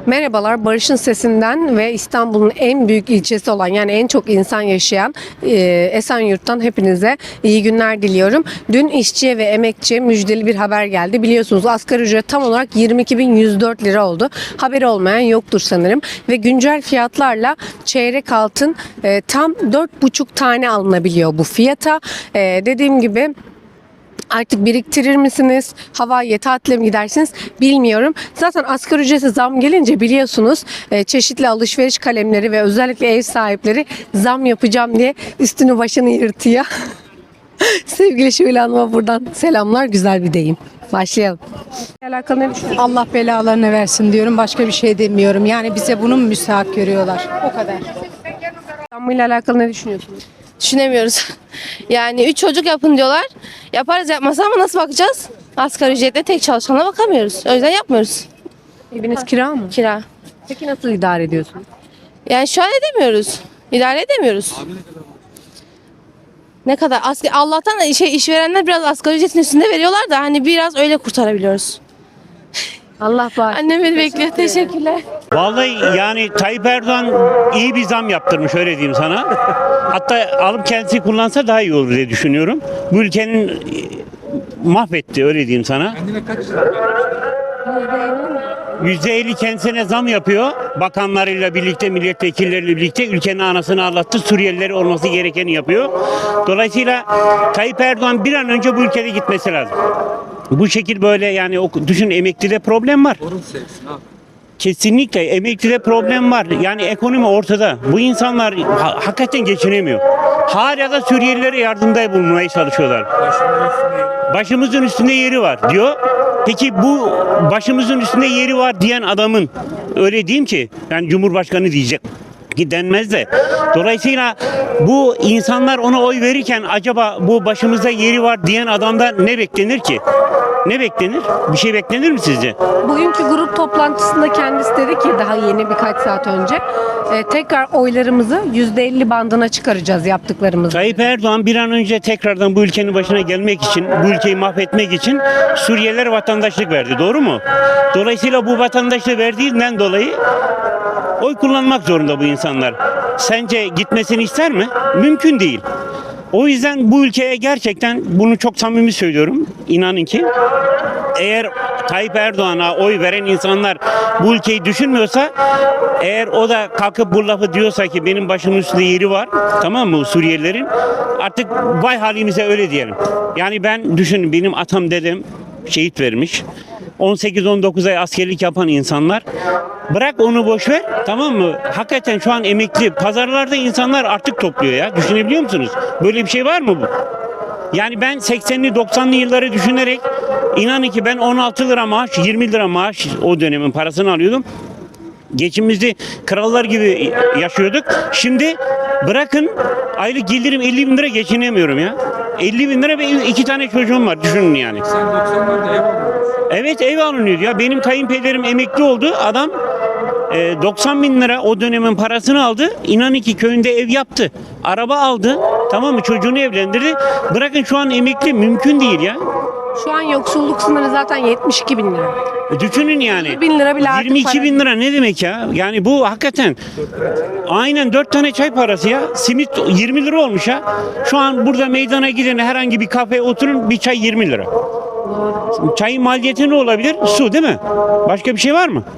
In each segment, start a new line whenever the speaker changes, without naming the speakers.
Merhabalar, Barış'ın Sesinden ve İstanbul'un en büyük ilçesi olan yani en çok insan yaşayan Esenyurt'tan hepinize iyi günler diliyorum. Dün işçiye ve emekçiye müjdeli bir haber geldi. Biliyorsunuz asgari ücret tam olarak 22.104 lira oldu. Haberi olmayan yoktur sanırım. Ve güncel fiyatlarla çeyrek altın tam 4,5 tane alınabiliyor bu fiyata. Dediğim gibi artık biriktirir misiniz? Havaiye tatile mi gidersiniz? Bilmiyorum. Zaten asgari ücrete zam gelince biliyorsunuz çeşitli alışveriş kalemleri ve özellikle ev sahipleri zam yapacağım diye üstünü başını yırtıyor. Sevgili Şule Hanım'a buradan selamlar. Güzel bir deyim. Başlayalım. Alakalı ne düşünüyorsun?
Allah belalarını versin diyorum. Başka bir şey demiyorum. Yani bize bunu mu müstahak görüyorlar? O kadar.
Zammıyla alakalı ne düşünüyorsunuz?
Düşünemiyoruz. Yani 3 çocuk yapın diyorlar. Yaparız yapmasa ama nasıl bakacağız? Asgari ücretle tek çalışana bakamıyoruz. O yüzden yapmıyoruz.
Eviniz kira mı?
Kira.
Peki nasıl idare ediyorsunuz?
Yani şu an edemiyoruz. İdare edemiyoruz. Ne kadar? Allah'tan işverenler biraz asgari ücretin üstünde veriyorlar da hani biraz öyle kurtarabiliyoruz.
Allah var.
Annem beni bekliyor. Teşekkürler.
Vallahi yani Tayyip Erdoğan iyi bir zam yaptırmış öyle diyeyim sana. Hatta alıp kendisi kullansa daha iyi olur diye düşünüyorum. Bu ülkenin mahvetti öyle diyeyim sana. %50 kendisine zam yapıyor. Bakanlarıyla birlikte, milletvekilleriyle birlikte ülkenin anasını ağlattı. Suriyelileri olması gerekeni yapıyor. Dolayısıyla Tayyip Erdoğan bir an önce bu ülkede gitmesi lazım. Bu şekil böyle yani düşün emeklide problem var. Kesinlikle emeklide problem var. Yani ekonomi ortada. Bu insanlar hakikaten geçinemiyor. Hala da Suriyelilere yardımda bulunmaya çalışıyorlar. Başımızın üstünde yeri var diyor. Peki bu başımızın üstünde yeri var diyen adamın öyle diyeyim ki yani Cumhurbaşkanı diyecek ki denmez de. Dolayısıyla bu insanlar ona oy verirken acaba bu başımızda yeri var diyen adamdan ne beklenir ki? Ne beklenir? Bir şey beklenir mi sizce?
Bugünkü grup toplantısında kendisi dedi ki daha yeni birkaç saat önce tekrar oylarımızı %50 bandına çıkaracağız yaptıklarımızı.
Tayyip Erdoğan bir an önce tekrardan bu ülkenin başına gelmek için, bu ülkeyi mahvetmek için Suriyelilere vatandaşlık verdi. Doğru mu? Dolayısıyla bu vatandaşlığı verdiğinden dolayı oy kullanmak zorunda bu insanlar. Sence gitmesini ister mi? Mümkün değil. O yüzden bu ülkeye gerçekten bunu çok samimi söylüyorum. İnanın ki eğer Tayyip Erdoğan'a oy veren insanlar bu ülkeyi düşünmüyorsa eğer o da kalkıp bu lafı diyorsa ki benim başımın üstünde yeri var tamam mı Suriyelilerin artık vay halimize öyle diyelim. Yani ben düşünün benim atam dedem şehit vermiş. 18-19 ay askerlik yapan insanlar bırak onu boş ver tamam mı? Hakikaten şu an emekli pazarlarda insanlar artık topluyor ya. Düşünebiliyor musunuz? Böyle bir şey var mı bu? Yani ben 80'li 90'lı yılları düşünerek inanın ki ben 16 lira maaş 20 lira maaş o dönemin parasını alıyordum. Geçimimizi krallar gibi yaşıyorduk. Şimdi bırakın aylık gelirim 50 bin lira geçinemiyorum ya. 50 bin lira ve 2 tane çocuğum var düşünün yani.
Sen 90'larda ev alıyorsun.
Evet ev alınıyordu ya. Benim kayınpederim emekli oldu. Adam 90 bin lira o dönemin parasını aldı. İnanın ki köyünde ev yaptı. Araba aldı. Tamam mı? Çocuğunu evlendirdi. Bırakın şu an emekli mümkün değil ya.
Şu an yoksulluk sınırı zaten 72 bin lira.
Düşünün yani.
20 bin lira bile artık
22
para
bin lira ne demek ya? Yani bu hakikaten aynen 4 tane çay parası ya. Simit 20 lira olmuş ya. Şu an burada meydana giden herhangi bir kafeye oturun bir çay 20 lira. Çayın maliyeti ne olabilir? Su değil mi? Başka bir şey var mı?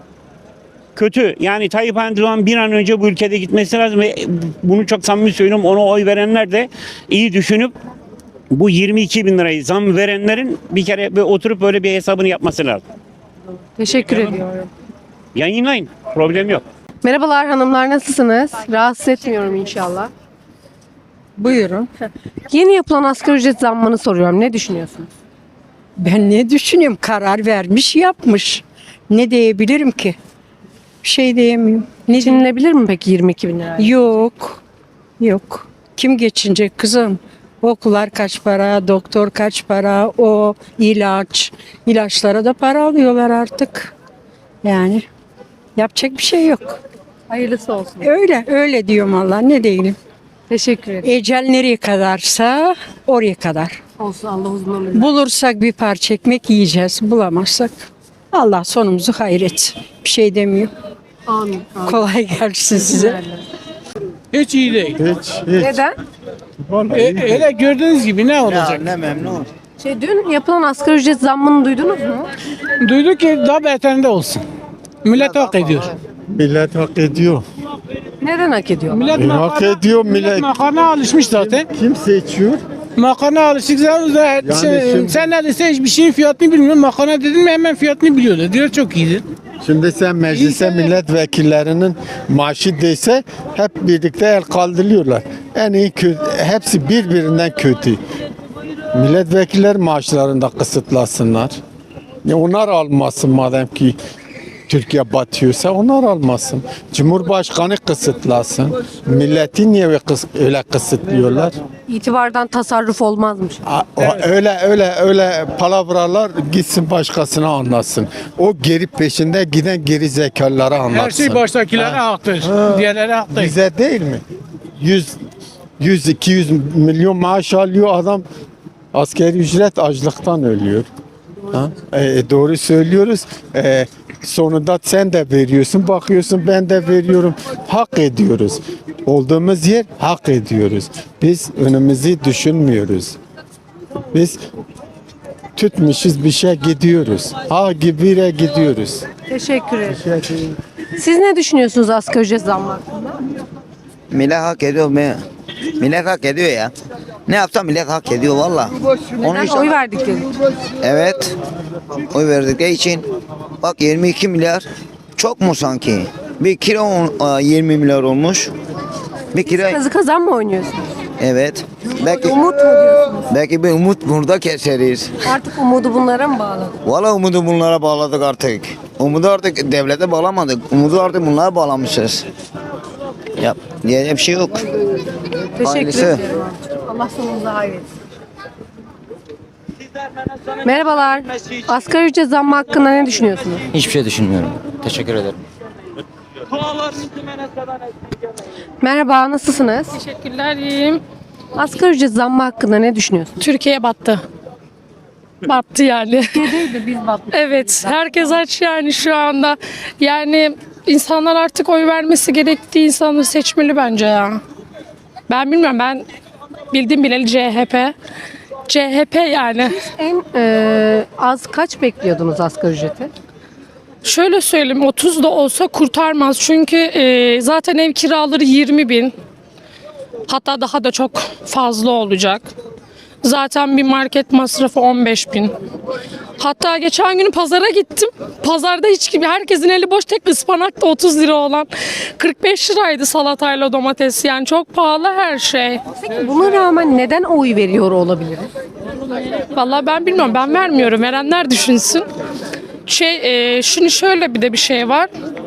Kötü. Yani Tayyip Erdoğan bir an önce bu ülkede gitmesi lazım ve bunu çok samimi söylüyorum. Ona oy verenler de iyi düşünüp bu 22 bin lirayı zam verenlerin bir kere oturup böyle bir hesabını yapması lazım.
Teşekkür ediyorum.
Yayınlayın. Problem yok.
Merhabalar hanımlar nasılsınız? Rahatsız etmiyorum inşallah.
Buyurun.
Yeni yapılan asgari ücret zammını soruyorum. Ne düşünüyorsunuz?
Ben ne düşünüyorum? Karar vermiş, yapmış. Ne diyebilirim ki? Bir şey diyemiyorum. Ne
Geçinilebilir mi peki 22 bin lira?
Yok. Yok. Kim geçinecek kızım? Okullar kaç para, doktor kaç para, o ilaç. İlaçlara da para alıyorlar artık. Yani yapacak bir şey yok.
Hayırlısı olsun.
Öyle diyorum Allah ne diyelim.
Teşekkür ederim.
Ecel nereye kadarsa oraya kadar.
Olsun Allah uzun ömür versin.
Bulursak bir parça ekmek yiyeceğiz. Bulamazsak Allah sonumuzu hayret. Bir şey demiyorum.
Amin.
Kolay gelsin size.
Hiç iyi değil.
Neden?
Öyle gördüğünüz gibi ne olacak?
Dün yapılan asgari ücret zammını duydunuz mu?
Duyduk ki daha beterinde olsun. Millet hak ediyor.
Millet hak ediyor.
Neden hak ediyor?
Millet
Hak ediyor millet.
makarna alışmış zaten.
Kim seçiyor?
Makarna alışık zaten.
şimdi-
Sen neredeyse hiçbir şeyin fiyatını bilmiyorsun. Makarna dedin mi hemen fiyatını biliyorlar. Diyor çok iyidir.
Şimdi sen meclise
İyi de-
milletvekillerinin maaşı dese hep birlikte el kaldırıyorlar. En iyi kötü, hepsi birbirinden kötü. Milletvekiller maaşlarını da kısıtlasınlar. Ya onlar almasın madem ki Türkiye batıyorsa onlar almasın. Cumhurbaşkanı kısıtlasın. Milleti niye öyle kısıtlıyorlar?
İtibardan tasarruf olmazmış.
Öyle palavralar gitsin başkasına anlatsın. O geri peşinde giden geri zekalara anlatsın.
Her şey baştakilere haktır. Diğerlere hak değil.
Bize değil mi? 100-200 milyon maaş alıyor adam, asgari ücret açlıktan ölüyor. Ha? Doğru söylüyoruz. Sonunda sen de veriyorsun, bakıyorsun ben de veriyorum. Hak ediyoruz. Olduğumuz yer hak ediyoruz. Biz önümüzü düşünmüyoruz. Biz tutmuşuz bir şey gidiyoruz. Ha gibi gidiyoruz.
Teşekkür ederim. Siz ne düşünüyorsunuz asgari ücret zammı hakkında?
Millet hak ediyor mu? Millet hak ediyor ya. Ne yapsa millet hak ediyor valla. Onun
Neden?
için,
Oy verdikleri için.
evet. Oy verdikleri için bak 22 milyar çok mu sanki? Bir kira 20 milyar olmuş. Bir kira
Kazı kazan mı oynuyorsunuz?
evet. Belki
Umut mu diyorsunuz?
belki bir umut burada keseriz.
Artık umudu bunlara mı bağladık?
Valla umudu bunlara bağladık artık. Umudu artık devlete bağlamadık. Umudu artık bunlara bağlamışız. Yap. Diyecek bir şey yok.
Teşekkür
Aynısı.
ederim amcacığım. Allah sonumuzu hayretsin. Merhabalar. Asgari ücret zammı hakkında ne düşünüyorsunuz?
Hiçbir şey düşünmüyorum. Teşekkür ederim.
Merhaba, nasılsınız?
Teşekkürler, iyiyim.
Asgari ücret zammı hakkında ne düşünüyorsunuz?
Türkiye battı. Battı yani.
Türkiye'deydi biz battık.
Evet, herkes aç yani şu anda. Yani insanlar artık oy vermesi gerektiği insanları seçmeli bence ya. Ben bilmiyorum, ben bildim bileli CHP. CHP yani.
En az kaç bekliyordunuz asgari ücreti?
Şöyle söyleyeyim, 30 da olsa kurtarmaz. Çünkü zaten ev kiraları 20 bin. Hatta daha da çok fazla olacak. Zaten bir market masrafı 15 bin. Hatta geçen gün pazara gittim. Pazarda hiç gibi herkesin eli boş, tek ıspanak da 30 lira olan. 45 liraydı salatayla domates, yani çok pahalı her şey.
Peki buna rağmen neden oy veriyor olabiliriz?
Vallahi ben bilmiyorum, ben vermiyorum. Verenler düşünsün. Şimdi şöyle bir de bir şey var.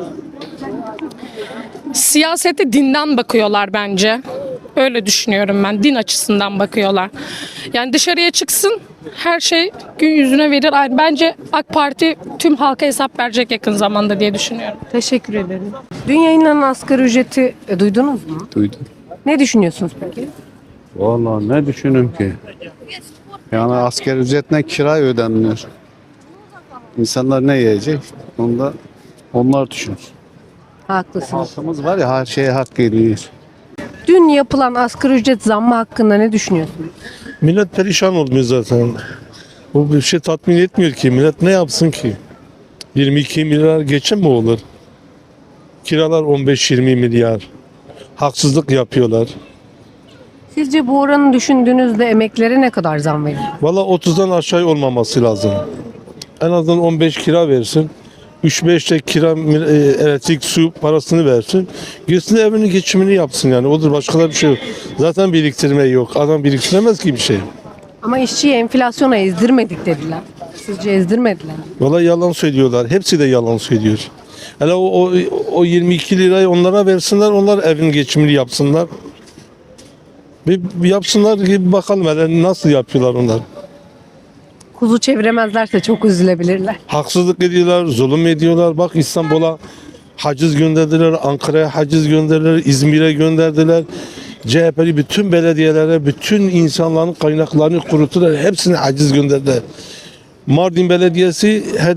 Siyasete dinden bakıyorlar bence. Öyle düşünüyorum ben. Din açısından bakıyorlar. Yani dışarıya çıksın, her şey gün yüzüne verir. Bence AK Parti tüm halka hesap verecek yakın zamanda diye düşünüyorum.
Teşekkür ederim. Dün yayınlanan asgari ücreti duydunuz mu?
Duydum.
Ne düşünüyorsunuz peki?
Vallahi ne düşünüm ki? Yani asgari ücretle kira ödenmiyor. İnsanlar ne yiyecek? Onda onlar düşünür.
Haklısınız.
Halkımız var ya, her şeye hak ediyor.
Dün yapılan asgari ücret zammı hakkında ne düşünüyorsunuz?
Millet perişan olmuyor zaten. Bu bir şey tatmin etmiyor ki. Millet ne yapsın ki? 22 milyar geçim mi olur? Kiralar 15-20 milyar. Haksızlık yapıyorlar.
Sizce bu oranı düşündüğünüzde emeklilere ne kadar zam verir?
Valla 30'dan aşağı olmaması lazım. En azından 15 kira versin. 3-5 de kira, elektrik, su parasını versin. Gerisini evinin geçimini yapsın yani. Odur, başka bir şey yok. Zaten biriktirme yok. Adam biriktiremez ki bir şey.
Ama işçiyi enflasyona ezdirmedik dediler. Sizce ezdirmediler mi?
Valla yalan söylüyorlar. Hepsi de yalan söylüyor. Hele o 22 lirayı onlara versinler, onlar evin geçimini yapsınlar. Bir yapsınlar ki bakalım hele nasıl yapıyorlar onlar.
Kuzu çeviremezlerse çok üzülebilirler.
Haksızlık ediyorlar, zulüm ediyorlar. Bak İstanbul'a haciz gönderdiler, Ankara'ya haciz gönderdiler, İzmir'e gönderdiler. CHP'li bütün belediyelere, bütün insanların kaynaklarını kuruttular. Hepsine haciz gönderdiler. Mardin Belediyesi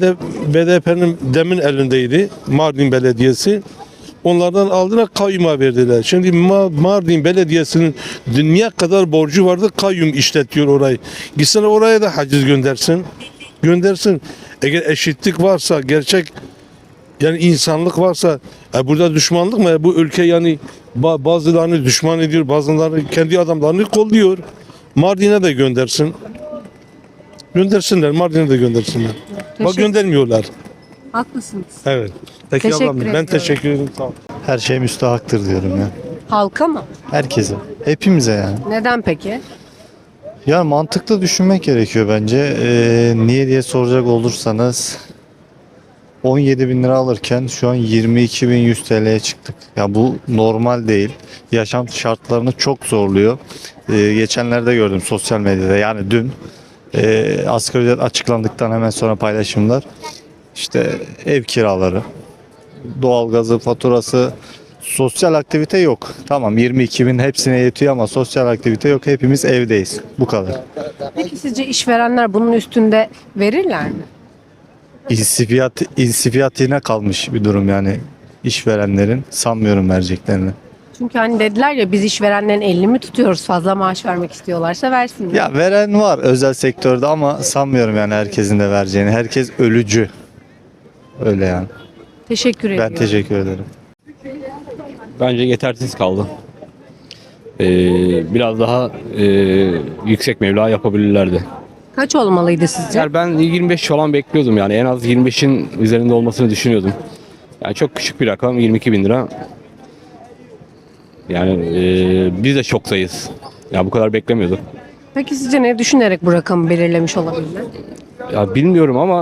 BDP'nin demin elindeydi. Mardin Belediyesi. Onlardan aldılar, kayyuma verdiler. Şimdi Mardin Belediyesi'nin dünya kadar borcu vardı, kayyum işletiyor orayı. Gitsin oraya da haciz göndersin. Göndersin. Eğer eşitlik varsa, gerçek yani insanlık varsa, burada düşmanlık mı? Bu ülke yani bazılarını düşman ediyor, bazılarını kendi adamlarını kolluyor. Mardin'e de göndersin. Göndersinler, Mardin'e de göndersinler. Bak göndermiyorlar.
Haklısınız.
Evet. Peki
Teşekkür
ablam, ben
ediyorum.
teşekkür ederim. Sağ ol.
Her şey müstahaktır diyorum ya.
Halka mı?
Herkese. Hepimize yani.
Neden peki?
Ya mantıklı düşünmek gerekiyor bence. Niye diye soracak olursanız 17 bin lira alırken şu an 22.100 TL'ye çıktık. Ya bu normal değil. Yaşam şartlarını çok zorluyor. Geçenlerde gördüm sosyal medyada, yani dün asgari ücret açıklandıktan hemen sonra paylaşımlar. İşte ev kiraları, doğalgazı, faturası, sosyal aktivite yok. Tamam 22 bin hepsine yetiyor ama sosyal aktivite yok. Hepimiz evdeyiz. Bu kadar.
Peki sizce işverenler bunun üstünde verirler mi?
İnsifiyatine kalmış bir durum yani işverenlerin. Sanmıyorum vereceklerini.
Çünkü hani dediler ya, biz işverenlerin elini mi tutuyoruz, fazla maaş vermek istiyorlarsa versinler.
Ya veren var özel sektörde ama sanmıyorum yani herkesin de vereceğini. Herkes ölücü. Öyle yani.
Teşekkür ediyorum.
Ben teşekkür ederim.
Bence yetersiz kaldı. Biraz daha yüksek meblağ yapabilirlerdi.
Kaç olmalıydı sizce?
Yani ben 25 falan bekliyordum, yani en az 25'in üzerinde olmasını düşünüyordum. Yani çok küçük bir rakam, 22 bin lira. Yani biz de şoktayız. Ya bu kadar beklemiyorduk.
Peki sizce ne düşünerek bu rakamı belirlemiş olabilirler?
Ya bilmiyorum ama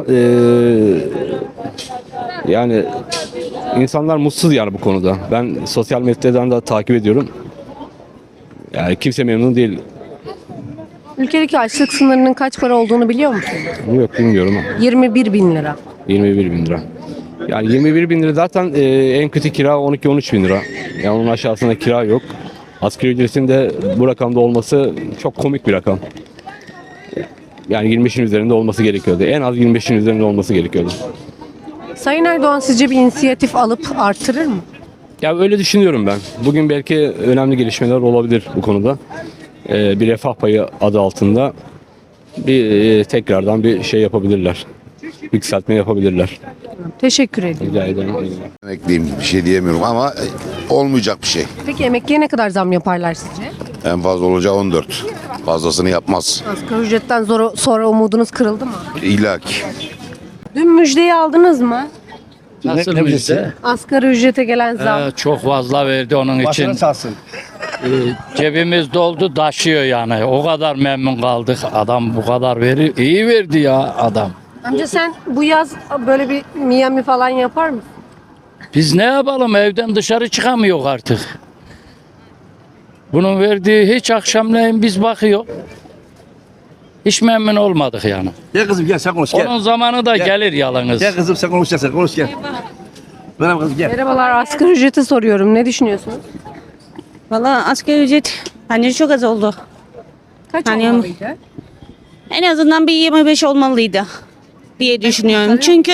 yani insanlar mutsuz yani bu konuda. Ben sosyal medyadan da takip ediyorum. Yani kimse memnun değil.
Ülkedeki açlık sınırının kaç para olduğunu biliyor musun?
Yok, bilmiyorum.
21 bin lira.
21 bin lira. Yani 21 bin lira zaten en kötü kira 12-13 bin lira. Yani onun aşağısında kira yok. Asgari ücretin de bu rakamda olması çok komik bir rakam. Yani 25'in üzerinde olması gerekiyordu. En az 25'in üzerinde olması gerekiyordu.
Sayın Erdoğan sizce bir inisiyatif alıp artırır mı?
Ya öyle düşünüyorum ben. Bugün belki önemli gelişmeler olabilir bu konuda. Bir refah payı adı altında bir tekrardan bir şey yapabilirler. Yükseltme yapabilirler.
Teşekkür ediyorum.
Rica ederim.
Emekliyim, bir şey diyemiyorum ama olmayacak bir şey.
Peki emekliye ne kadar zam yaparlar sizce?
En fazla olacağı 14. Fazlasını yapmaz.
Asgari ücretten sonra umudunuz kırıldı mı?
İlla ki.
Dün müjdeyi aldınız mı?
Nasıl müjde?
Asgari ücrete gelen zam.
Çok fazla verdi onun için. Cebimiz doldu, taşıyor yani. O kadar memnun kaldık. Adam bu kadar veriyor. İyi verdi ya adam.
Amca sen bu yaz böyle bir Miami falan yapar mısın?
Biz ne yapalım, evden dışarı çıkamıyor artık. Bunun verdiği hiç akşamleyin biz bakıyor. Hiç memnun olmadık yani.
Gel kızım gel sen konuş gel.
Onun zamanı da gelir yalnız.
Gel kızım sen konuşacaksın konuş gel. Merhaba kızım gel.
Merhabalar, asgari ücreti soruyorum. Ne düşünüyorsunuz?
Valla asgari ücret bence çok az oldu.
Kaç
Yani-
olmalıydı?
En azından bir 25 olmalıydı diye düşünüyorum. Çünkü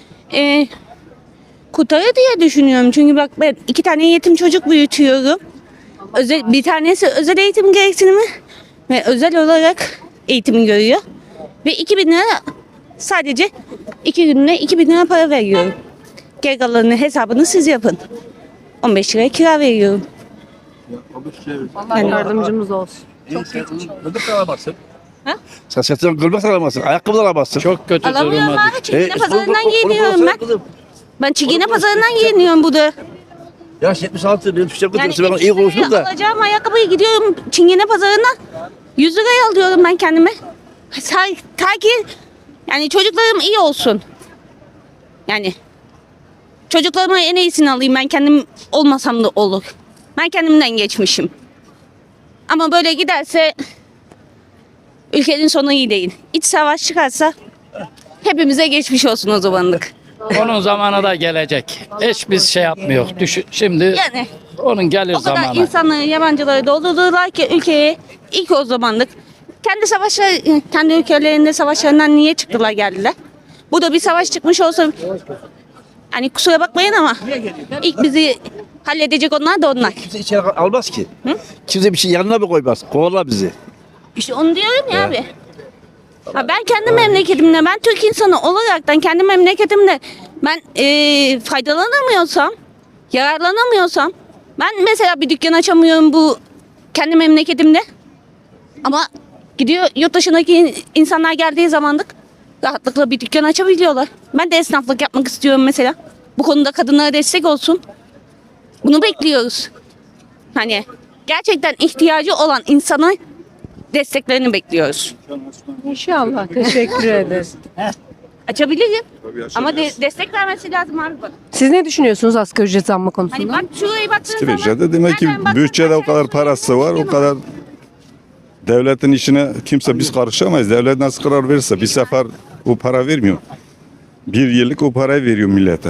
kurtarır diye düşünüyorum. Çünkü bak ben 2 tane yetim çocuk büyütüyorum. Bir tanesi özel eğitim gereksinimi ve özel olarak eğitimi görüyor. Ve 2.000 lira sadece 2 günde 2.000 lira para veriyorum. Geri kalanını hesabını siz yapın. 15 lira kira veriyorum.
Allah yardımcımız olsun.
Gılbık alamazsın. Sen sırtından gılbık alamazsın. Ayakkabı da alamazsın.
Çok kötü
Alamıyorum
duruma
abi. Çingene pazarından
Onu
giyiniyorum ben.
kızım.
Ben Çingene pazarından giyiniyorum burada.
Yaş 76 benim Türkçe
Yani
kızım. Ben iyi konuştum da.
alacağım ayakkabıyı gidiyorum Çingene pazarından 100 liraya alıyorum ben kendime. Ta ki yani çocuklarım iyi olsun. Yani çocuklarıma en iyisini alayım, ben kendim olmasam da olur. Ben kendimden geçmişim. Ama böyle giderse ülkenin sonu iyi değil. İç savaş çıkarsa hepimize geçmiş olsun o zamanlık.
Onun zamanı da gelecek. Hiç biz şey yapmıyor. Şimdi
Yani
onun gelir
o kadar
zamanı.
insanları, yabancıları doldurdular ki ülkeye ilk o zamanlık. Kendi ülkelerinde savaşlarından niye çıktılar geldiler? Bu da bir savaş çıkmış olsa hani kusura bakmayın ama ilk bizi halledecek onlar da onlar.
Kimse içeri almaz ki. Kimse bir şey yanına mı koymaz? Kovarlar bizi.
İşte onu diyorum ya abi. Ha ben kendi memleketimde, ben Türk insanı olaraktan kendi memleketimde ben faydalanamıyorsam, yararlanamıyorsam, ben mesela bir dükkan açamıyorum bu kendi memleketimde. Ama gidiyor yurt dışındaki insanlar geldiği zamanlık rahatlıkla bir dükkan açabiliyorlar. Ben de esnaflık yapmak istiyorum mesela. Bu konuda kadınlara destek olsun. Bunu bekliyoruz. Hani gerçekten ihtiyacı olan insana desteklerini bekliyoruz.
İnşallah. Teşekkür ederiz.
Açabilirim. Ama destek vermesi lazım abi bak.
Siz ne düşünüyorsunuz asgari ücret zammı
Hani
konusunda?
bak şuraya baktığın zaman.
Demek ki
nereden baktığın
bütçede o
zaman
kadar parası var, o kadar devletin işine kimse biz karışamayız. Devlet nasıl karar verirse bir sefer o para vermiyor. Bir yıllık o parayı veriyor millete.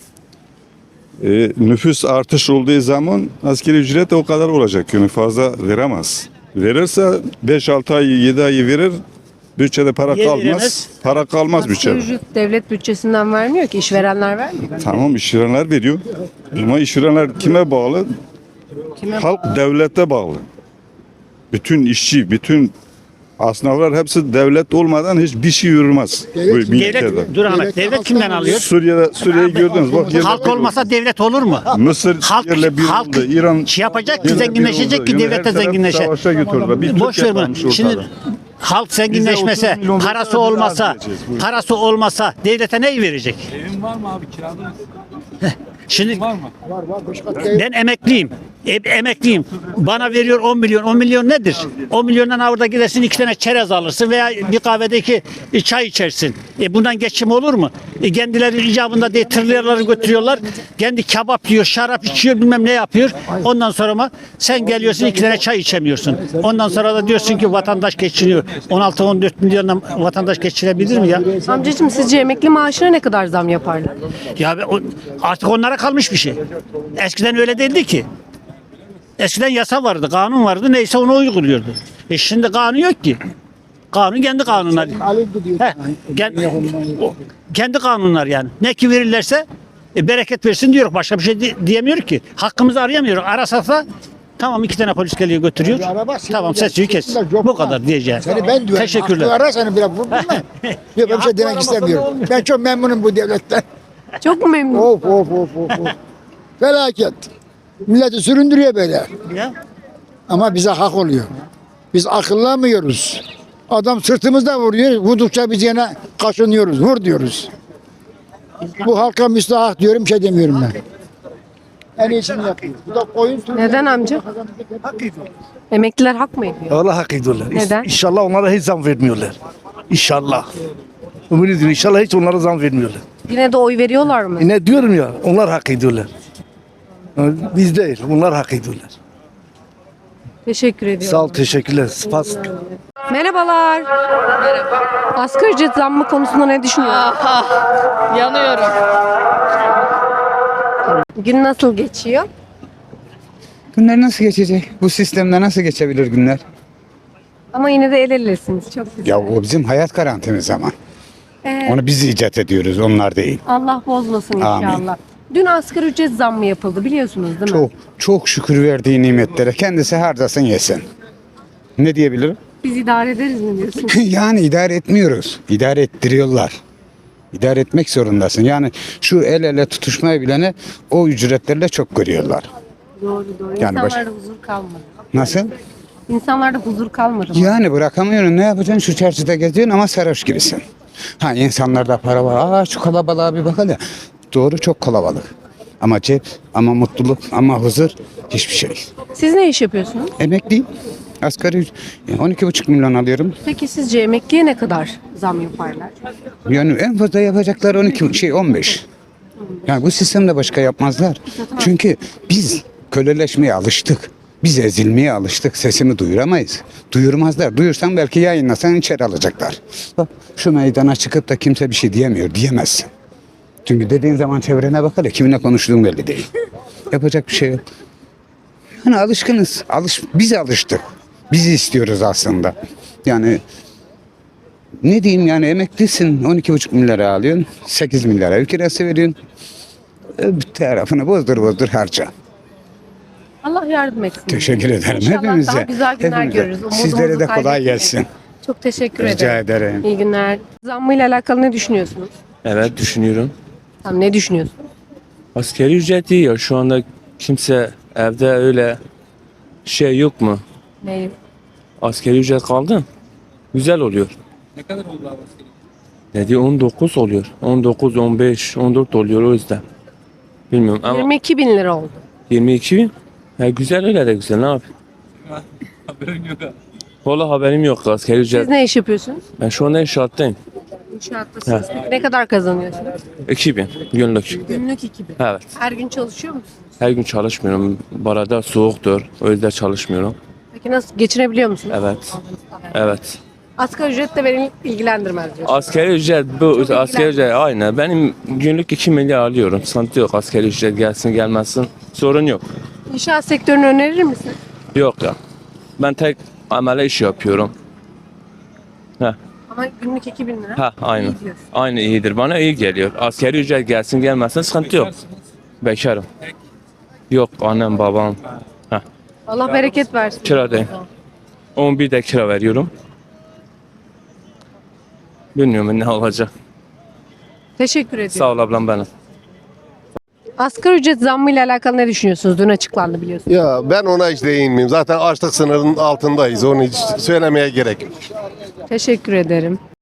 Nüfus artış olduğu zaman asgari ücret de o kadar olacak. Yani fazla veremez. Verirse 5-6 ay 7 ay verir. Bütçede para kalmaz. Para kalmaz
Asgari
bütçede.
ücret devlet bütçesinden vermiyor ki, işverenler vermiyor.
Tamam işverenler veriyor. Ama işverenler kime bağlı? Halk devlete bağlı. Bütün işçi, bütün esnaflar hepsi devlet olmadan hiçbir şey yürümez. Bu ülkede.
Dur Ahmet. Devlet kimden alıyor?
Suriye'yi gördünüz. Bak,
Halk olmasa devlet olur mu?
Mısır
Halk-
yerle bir
halk
oldu. İran
şey yapacak ki,
yerle bir
zenginleşecek
oldu.
ki
Yani
devlet de
her taraf
zenginleşecek.
Savaşa götürdüler. Biz
Boş
Türkiye
ver bunu.
kalmış
Şimdi
ortada.
halk zenginleşmese,
Bize 30 milyon
parası
verseler biz
olmasa,
az vereceğiz. Buyurun.
parası olmasa devlete neyi verecek?
Evin var mı abi kirada mısın?
Şimdi
Var mı?
ben emekliyim. Emekliyim. Bana veriyor 10 milyon. 10 milyon nedir? 10 milyondan orada gidersin 2 tane çerez alırsın veya bir kahvedeki çay içersin. Bundan geçim olur mu? Kendileri icabında diye tırlarları götürüyorlar. Kendi kebap yiyor, şarap içiyor, bilmem ne yapıyor. Ondan sonra mı sen geliyorsun 2 tane çay içemiyorsun. Ondan sonra da diyorsun ki vatandaş geçiniyor. 16-14 milyondan vatandaş geçirebilir mi ya?
Amcacığım sizce emekli maaşına ne kadar zam yaparlar?
Ya artık onlara kalmış bir şey. Eskiden öyle değildi ki. Eskiden yasa vardı, kanun vardı. Neyse onu uyguluyordu. Şimdi kanun yok ki. Kanun kendi kanunları. Kendi kanunlar yani. Ne ki verirlerse bereket versin diyor. Başka bir şey diyemiyor ki. Hakkımızı arayamıyor. Arasak da tamam 2 tane polis geliyor götürüyor. Tamam sesini kes. Bu kadar diyeceğim. Teşekkürler.
Ara seni bile vurdun mu? Yok ben bir şey demek istemiyorum. Ben çok memnunum bu devletten.
Çok mu memnun?
Of. Felaket. Milleti süründürüyor böyle.
Ya.
Ama bize hak oluyor. Biz akıllamıyoruz. Adam sırtımızda vuruyor. Vurdukça biz yine kaşınıyoruz. Vur diyoruz. Bu halka müstahak diyorum, bir şey demiyorum ben. En iyisini yapıyor. Bu da koyun sürüyor.
Neden amca? Emekliler hak mı ediyor?
Allah hak ediyorlar.
Neden?
İnşallah onlara hiç zam vermiyorlar. İnşallah. Ümit ediyorum. İnşallah hiç onlara zam vermiyorlar.
Yine de oy veriyorlar mı?
Ne diyorum ya, onlar hak ediyorlar. Biz değil, onlar hak ediyorlar.
Teşekkür ediyorum.
Sağ ol, teşekkürler. Spas.
Merhabalar. Merhaba. Asgari ücret zammı konusunda ne düşünüyorsunuz?
Yanıyorum.
Gün nasıl geçiyor?
Günler nasıl geçecek? Bu sistemde nasıl geçebilir günler?
Ama yine de el elesiniz. Çok güzel.
Ya o bizim hayat garantimiz ama. Onu biz icat ediyoruz, onlar değil.
Allah bozmasın
Amin.
inşallah. Dün asgari ücret zammı yapıldı biliyorsunuz değil mi?
Çok şükür verdiği nimetlere kendisi harcasın yesin. Ne diyebilirim?
Biz idare ederiz mi diyorsun?
Yani idare etmiyoruz. İdare ettiriyorlar. İdare etmek zorundasın. Yani şu el ele tutuşmayı bilene o ücretlerle çok görüyorlar.
Doğru.
Yani
İnsanlarda huzur kalmadı.
Nasıl?
İnsanlarda huzur kalmadı. mı?
Yani bırakamıyorum. Ne yapacaksın? Şu çarşıda geziyorsun ama sarhoş gibisin. Ha insanlarda para var. Şu kalabalığa bir bakalım. Doğru çok kalabalık. Ama cep, ama mutluluk, ama huzur hiçbir şey.
Siz ne iş yapıyorsunuz?
Emekliyim. Asgari 12,5 milyon alıyorum.
Peki sizce emekliye ne kadar zam yaparlar?
Yani en fazla yapacaklar 15. Yani bu sistemde başka yapmazlar. Çünkü biz köleleşmeye alıştık. Biz ezilmeye alıştık. Sesimi duyuramayız. Duyurmazlar. Duyursan belki yayınlasan içeri alacaklar. Bak şu meydana çıkıp da kimse bir şey diyemiyor. Diyemezsin. Çünkü dediğin zaman çevrene bak hele kiminle konuştuğun belli değil. Yapacak bir şey yok. Yani alışkınız. Biz alıştık. Biz istiyoruz aslında. Yani Ne diyeyim yani emeklisin 12,5 milyara alıyorsun. 8 milyara ev kirası veriyorsun. Bir tarafını bozdur harca.
Allah yardım etsin.
Teşekkür ederim
İnşallah
hepimize.
daha güzel günler
Hepimize.
görürüz. Umudumuzu
Sizlere de kolay
kaybetmeyelim.
gelsin.
Çok teşekkür
Rica
ederim.
ederim.
İyi günler. Zammıyla alakalı ne düşünüyorsunuz?
Evet düşünüyorum.
Tamam, ne düşünüyorsunuz?
Asgari ücret iyi ya. Şu anda kimse evde öyle şey yok mu?
Neyi?
Asgari ücret kaldı. Güzel oluyor.
Ne kadar oldu abi asgari?
Ne diyor 19 oluyor. 19, 15, 14 oluyor o yüzden. Bilmiyorum ama
22 bin lira oldu.
22 bin. Ha, güzel öyle de güzel ne yapayım?
Haberim yok abi.
Valla haberim yok asgari ücret.
Siz ne iş yapıyorsunuz?
Ben şu anda inşaattayım.
İnşaattasınız. Peki ne kadar kazanıyorsunuz?
2000 günlük.
Günlük 2000.
Evet.
Her gün çalışıyor musunuz?
Her gün çalışmıyorum. Barada soğuktur. O yüzden çalışmıyorum.
Peki nasıl, geçinebiliyor musunuz?
Evet. Evet.
Asgari ücret de beni ilgilendirmez diyorsunuz.
Asgari ücret bu asgari ücret aynı. Benim günlük 2 milyar alıyorum. Sıkıntı yok. Asgari ücret gelsin gelmesin. Sorun yok.
İnşaat sektörünü önerir misiniz?
Yok ya. Ben tek amele iş yapıyorum. Heh.
Ama günlük 2000 lira.
Ha aynı.
İyi diyorsun.
Aynı iyidir. Bana iyi geliyor. Asgari ücret gelsin gelmesin sıkıntı yok. Bekarım. Yok annem babam. Heh.
Allah bereket versin.
Kiradayım. 11 de kira veriyorum. Bilmiyorum ne olacak.
Teşekkür ediyorum.
Sağ ol ablam benim.
Asgari ücret zammıyla alakalı ne düşünüyorsunuz? Dün açıklandı biliyorsunuz.
Ya ben ona hiç değinmeyeyim. Zaten açlık sınırının altındayız. Onu hiç söylemeye gerek yok.
Teşekkür ederim.